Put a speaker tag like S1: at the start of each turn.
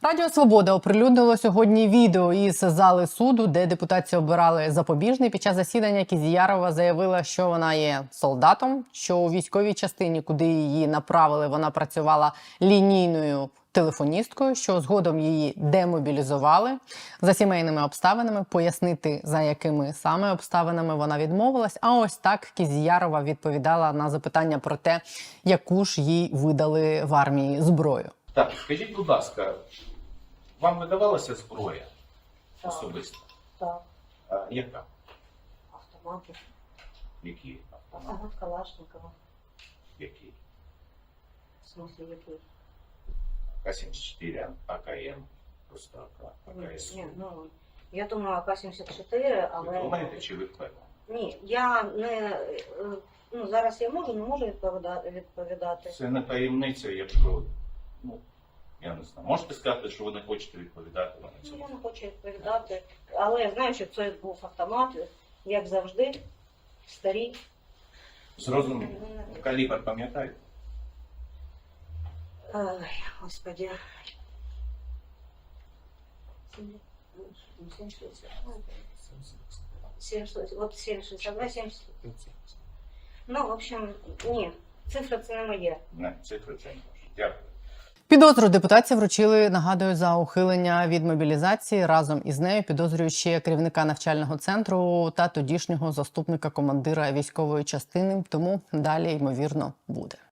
S1: Радіо «Свобода» оприлюднило сьогодні відео із зали суду, де депутатці обирали запобіжний. Під час засідання Кізіярова заявила, що вона є солдатом, що у військовій частині, куди її направили, вона працювала лінійною телефоністкою, що згодом її демобілізували. За сімейними обставинами, пояснити, за якими саме обставинами вона відмовилась. А ось так Кізіярова відповідала на запитання про те, яку ж їй видали в армії зброю.
S2: Так, скажіть, будь ласка, вам видавалася зброя особисто?
S3: Так,
S2: А яка?
S3: автомати.
S2: Які автомати?
S3: Автомат Калашникова.
S2: Які?
S3: В смысле, який?
S2: К-74, АКМ, просто АКС.
S3: Ні, ну, я думаю, АК-74, але...
S2: Ви думаєте, чи ви впевнені?
S3: Ні, я не... Ну, зараз я можу, не можу відповідати.
S2: Це не таємниця, якщо, ну, я не знаю. Можете сказати, що ви не хочете відповідати на
S3: Ну,
S2: цьому?
S3: я не хочу відповідати, але я знаю, що це був автомат, як завжди, старі.
S2: Зрозуміло. Калібр пам'ятаєте?
S3: Ой, Господи. 7,62, 70. Ну, в общем, ні, цифра це не моє.
S2: Не, цифри це не може. Дякую.
S1: Підозру депутатці вручили, нагадую, за ухилення від мобілізації. Разом із нею підозрюють ще керівника навчального центру та тодішнього заступника командира військової частини. Тому далі, ймовірно, буде.